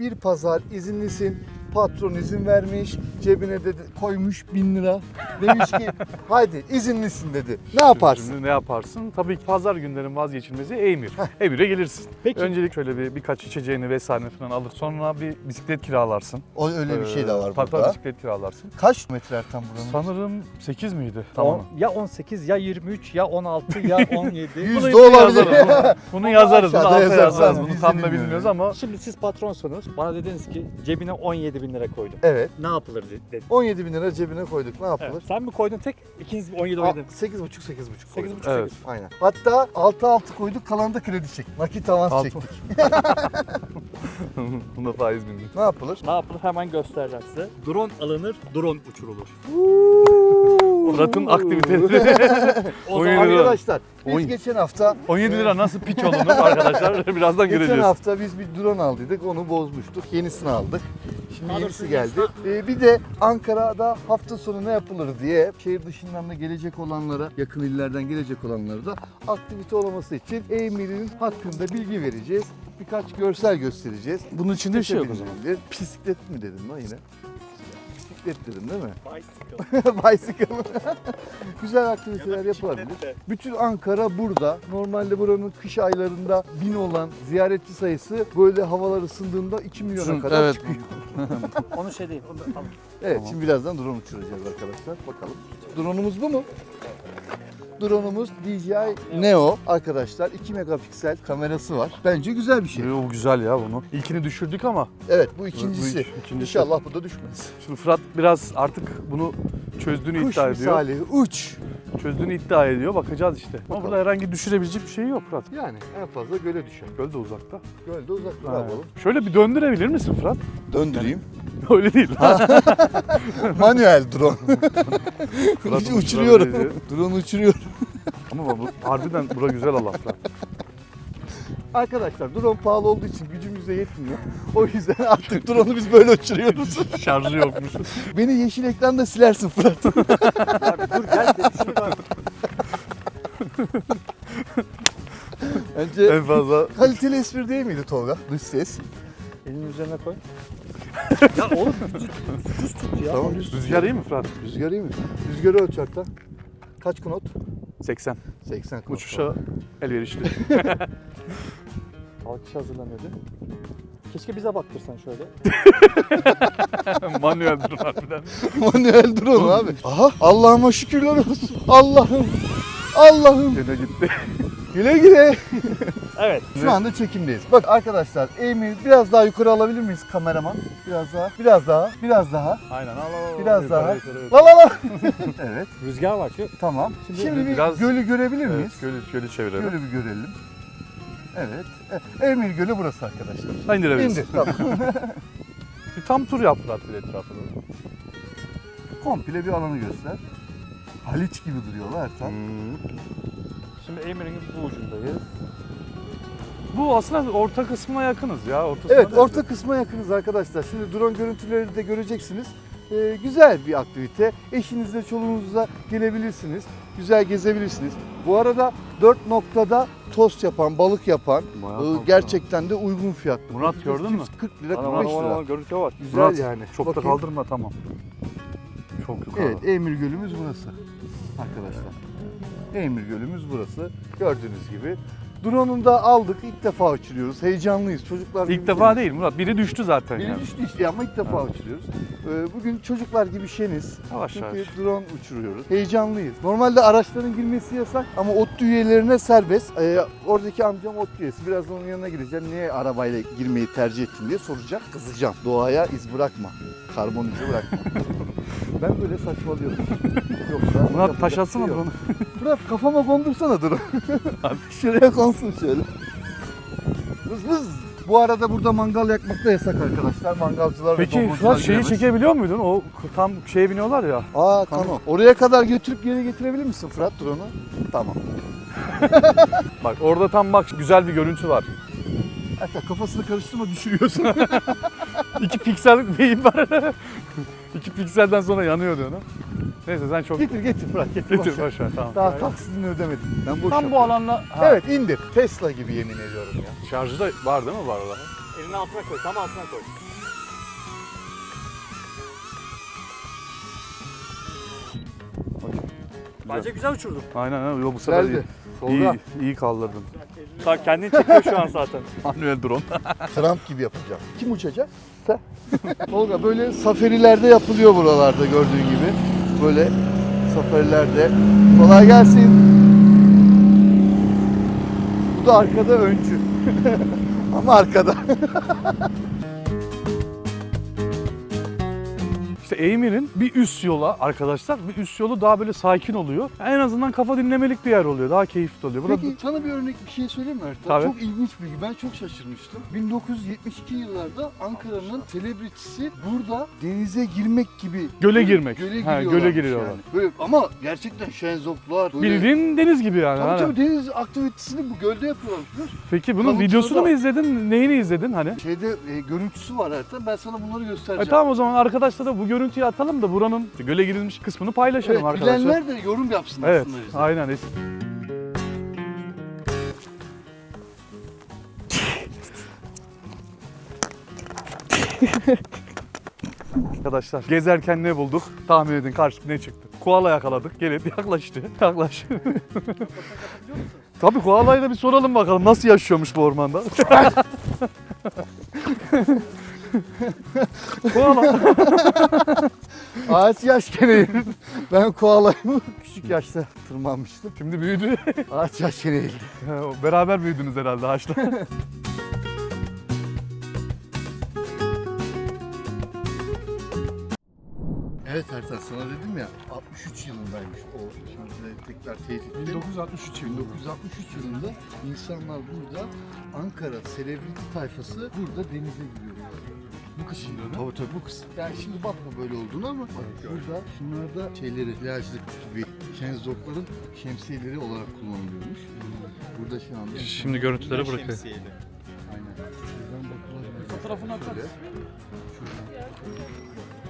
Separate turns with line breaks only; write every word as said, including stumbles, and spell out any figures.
bir pazar izinlisin. Patron izin vermiş, cebine de koymuş bin lira. Demiş ki haydi izinlisin dedi. Ne yaparsın?
Şimdi ne yaparsın? Tabii ki pazar günlerin vazgeçilmezi Eymir. Eymir'e gelirsin.
Peki.
Öncelik şöyle bir birkaç içeceğini vesaire falan alır. Sonra bir bisiklet kiralarsın.
O öyle bir şey de var
Ee, tabii
burada.
bisiklet kiralarsın.
Kaç metre Ertan buranın?
Sanırım sekiz miydi?
On- ya on sekiz ya yirmi üç ya on altı ya on yedi.
Yüz
Bunu
de olabilir.
yazarız. Bunu, bunu yazarız. Bunu
Aşağıda
alta
yazarız.
yazarız.
Biz
Bunu
de
tam da
bilmiyoruz.
bilmiyoruz ama
Şimdi siz patronsunuz. Bana dediniz ki cebine on yedi bin lira koydum.
Evet.
Ne yapılır dedi.
on yedi bin lira cebine koyduk. Ne yapılır?
Evet. Sen mi koydun tek? İkiniz on yedi on yedi.
sekiz buçuk sekiz buçuk koyduk.
sekiz buçuk
Evet.
sekiz.
Aynen. Hatta altı altı koyduk, kalan da kredi çektik. Nakit avans
Altı.
çektik.
buna faiz bindik.
Ne yapılır?
Ne yapılır hemen göstereceğim size. Drone alınır, drone uçurulur.
Fırat'ın aktiviteleri.
O
on
zaman
yedi lira.
Arkadaşlar biz
On-
geçen hafta
on yedi lira nasıl piç olunur arkadaşlar birazdan
geçen
göreceğiz.
hafta biz bir drone aldıydık, onu bozmuştuk. Yenisini aldık. Şimdi
Alırsın,
yenisi geldi.
yenisini
Ee, bir de Ankara'da hafta sonu ne yapılır diye şehir dışından da gelecek olanlara, yakın illerden gelecek olanlara da aktivite olması için Eymir'in hakkında bilgi vereceğiz. Birkaç görsel göstereceğiz.
Bunun içinde bir şey yok o
Bisiklet
zaman.
binilebilir. Bisiklet mi dedim lan yine? Bisiklet dedim değil mi?
Bicycle.
Bicycle. Güzel aktiviteler yapılabilir. Bütün Ankara burada. Normalde buranın kış aylarında bin olan ziyaretçi sayısı böyle havalar ısındığında iki milyona
Şun-
kadar
evet.
çıkıyor.
Onu şey değil. Onu alın.
Evet,
Tamam.
şimdi birazdan drone uçuracağız arkadaşlar. Bakalım. Drone'umuz bu mu? Drone'umuz D J I Neo arkadaşlar. iki megapiksel kamerası var. Bence güzel bir şey.
Yo, güzel ya bunu. İlkini düşürdük ama
Evet, bu ikincisi.
Bu ikincisi.
İnşallah bu da düşmez.
şimdi Fırat biraz artık bunu çözdüğünü
Kuş
iddia ediyor.
misali uç.
Çözdüğünü iddia ediyor. Bakacağız işte. Ama
Bakalım.
burada herhangi düşürebilecek bir şey yok Fırat.
Yani en fazla göle düşer.
Göl de uzakta.
Gölde uzak dur
Ha.
yapalım.
Şöyle bir döndürebilir misin Fırat?
Döndüreyim.
Öyle değil.
Manuel drone.
Fırat'ın
uçuruyorum.
uçurabileceği.
Drone uçuruyorum.
Ama bu harbiden bura güzel alan Fırat.
Arkadaşlar drone pahalı olduğu için gücümüze yetmiyor. O yüzden artık drone'u biz böyle uçuruyoruz.
Şarjı yokmuş.
Beni yeşil ekranda silersin Fırat.
Abi dur gel de şunu da-
Bence
en fazla
kaliteli espri değil miydi Tolga? Dış ses.
Elini üzerine koy. Ya oğlum düz, düz tut ya.
Tamam düz.
rüzgar iyi mi Fırat?
Rüzgar iyi mi? Rüzgarı ölç hatta. Kaç knot?
seksen.
seksen knot.
Uçuşa elverişli.
Alkış hazırlanıyordu. Keşke bize baktırsan şöyle.
Manuel dur harbiden.
Manuel drone abi. Aha Allah'ıma şükürler olsun. Allah'ım. Allah'ım.
Gene gitti.
Güle güle.
Evet.
Şu anda çekimdeyiz. Bak arkadaşlar Emir biraz daha yukarı alabilir miyiz kameraman? Biraz daha. Biraz daha. Biraz daha.
Aynen al al. al.
Biraz
Yukarı,
daha.
yukarı, yukarı.
La la la. Evet.
Rüzgar var şu.
Tamam.
Şimdi
Şimdi, bir
biraz-
gölü görebilir
Evet,
miyiz?
gölü, gölü çevirelim.
Gölü bir görelim. Evet. E, Emir Gölü burası arkadaşlar.
Ha, indirebiliriz.
İndir. Tamam.
Bir tam tur yap Fırat bir etrafını.
Komple bir alanı göster. Haliç gibi duruyorlar Ertan.
Hmm.
Şimdi Emir'in bu ucundayız.
Bu aslında orta kısmına yakınız ya. Ortasına
Evet
değil.
orta kısma yakınız arkadaşlar. Şimdi drone görüntüleri de göreceksiniz. Ee, güzel bir aktivite. Eşinizle çoluğunuzla gelebilirsiniz. Güzel gezebilirsiniz. Bu arada dört noktada tost yapan, balık yapan
Bayağı
e,
tatlı.
gerçekten de uygun fiyatlı.
Murat, gördün mü?
kırk lira,
Ana,
kırk beş
ana, ana,
lira.
Görüntü var.
Güzel
Murat,
yani.
çok da
Bakayım.
kaldırma tamam. Çok yukarı.
Evet, Emir Gölümüz burası arkadaşlar. Emir Gölümüz burası. Gördüğünüz gibi. Drone'unu da aldık. İlk defa uçuruyoruz. Heyecanlıyız. Çocuklar
İlk defa değil Murat. Biri düştü zaten
Biri
yani.
düştü işte ama ilk defa uçuruyoruz. Ee, Bugün çocuklar gibi şeniz.
Yavaş yavaş.
Çünkü drone uçuruyoruz. Heyecanlıyız. Normalde araçların girmesi yasak ama ODTÜ üyelerine serbest. Ee, oradaki amcam ODTÜ üyesi. Birazdan onun yanına gideceğim. Niye arabayla girmeyi tercih ettin diye soracak. Kızacağım. Doğaya iz bırakma. Karbon izi bırakma. Ben böyle saçmalıyorum. Yoksa
Murat
yapacak
taş
bir
atsana
şey yok.
bunu.
Murat kafama kondursana drone. Şuraya konsun şöyle. Vız vız. Bu arada burada mangal yakmak da yasak arkadaşlar. Mangalcılar ve
Peki
domuzcular
Fırat şeyi
giremez.
çekebiliyor muydun? O tam şeye biniyorlar ya.
Aa kano. Oraya kadar götürüp geri getirebilir misin Fırat drone'u? Tamam.
Bak orada tam bak güzel bir görüntü var.
Hatta kafasını karıştırma düşürüyorsun.
İki piksellik beyin var. İki pikselden sonra yanıyor diyor. Neyse sen çok
getir getir Fırat getir.
getir
boş ver.
boş ver tamam.
Daha taksidini ödemedim. Ben boş
Tam bu
yapıyorum.
alanla ha,
Evet indir. Tesla gibi yemin ediyorum ya.
şarjı da var değil mi bu arada?
Elinin altına koy. Tam altına koy. Bence güzel uçurdun.
Aynen aynen. Yo, bu sefer iyi.
Geldi.
İyi,
Tolga,
iyi kaldırdın.
Bak kendini çekiyor şu an zaten.
Manuel drone.
Trump gibi yapacağım. Kim uçacak? Sen. Tolga böyle safarilerde yapılıyor buralarda gördüğün gibi. Böyle safarilerde. Kolay gelsin. Bu da arkada öncü. Ama arkada.
İşte Eymir'in bir üst yola arkadaşlar, bir üst yolu daha böyle sakin oluyor. En azından kafa dinlemelik bir yer oluyor. Daha keyifli oluyor. Burada
Peki sana bir örnek bir şey söyleyeyim mi Ertan?
Tabii.
Çok ilginç bir bilgi. Ben çok şaşırmıştım. bin dokuz yüz yetmiş iki yıllarda Ankara'nın selebritisi burada denize girmek gibi.
göle girmek.
Göle
Ha,
giriyorlar.
göle giriyorlar.
Yani. Böyle, ama gerçekten şenzoplar. Böyle,
Bildiğin deniz gibi yani.
Tabii
Hani.
tabii deniz aktivitesini bu gölde yapıyorlar. biliyor musun?
Peki bunun
Kavukları
videosunu
da-
mu izledin? Neyini izledin hani?
Şeyde e, görüntüsü var Ertan. Ben sana bunları
E
göstereceğim.
tamam o zaman arkadaşlar da bu görüntüyü atalım da buranın göle girilmiş kısmını paylaşalım
Evet,
arkadaşlar.
bilenler de yorum yapsın
Evet,
aslında bize.
aynen. Arkadaşlar gezerken ne bulduk? Tahmin edin karşımıza ne çıktı? Koala yakaladık. Gelin yaklaştı. Yaklaş. Tabii koalayı da bir soralım bakalım nasıl yaşıyormuş bu ormanda. Koala.
Ağaç yaşken eğilir. Ben koalayımı küçük yaşta tırmanmıştım.
Şimdi büyüdü.
Ağaç yaşken eğildi.
Beraber büyüdünüz herhalde ağaçla.
Evet Ertan sana dedim ya altmış üç yılındaymış o. Şimdi de tekrar teyit ettim.
bin dokuz yüz altmış üç
bin dokuz yüz altmış üç yılında insanlar burada Ankara selebriti tayfası burada denize giriyor. Bu kısım
Şimdi
Tabii tabii bu kısım. Yani şimdi bakma böyle olduğunu ama bak burada şunlarda şeyleri plajlık gibi şenzokların şemsiyeleri olarak kullanılıyormuş. Burada şu anda
Şimdi görüntüleri bırakıyor.
aynen. Şuradan bakılabilir.
Fotoğrafını atar
Şöyle.
mısın?
Şuradan.